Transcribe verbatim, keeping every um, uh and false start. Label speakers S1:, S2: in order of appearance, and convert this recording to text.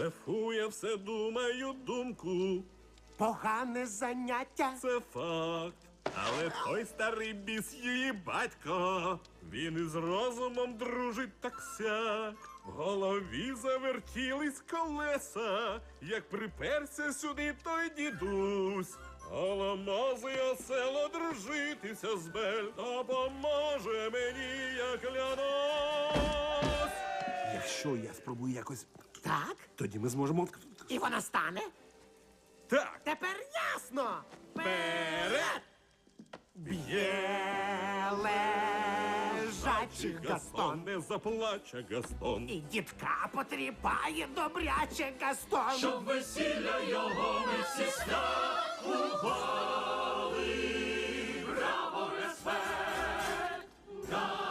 S1: Блефує, все думаю думку.
S2: Погане заняття.
S1: Це факт. Але той старий біс її батько, він із розумом дружить так сяк. В голові завертілись колеса, як приперся сюди той дідусь. Голомозий осело дружитися з Бель, допоможе мені, я клянусь.
S2: Якщо я спробую якось,
S3: Так?
S2: тоді ми зможемо...
S3: І вона стане?
S1: Так,
S3: Тепер ясно!
S1: вперед!
S3: Б'є лежачий
S1: Гастон
S3: Гастон.
S1: не заплаче, Гастон.
S3: І дітка потріпає добряче Гастон.
S4: Щоб весілля його ми всі святкували. Браво, респект!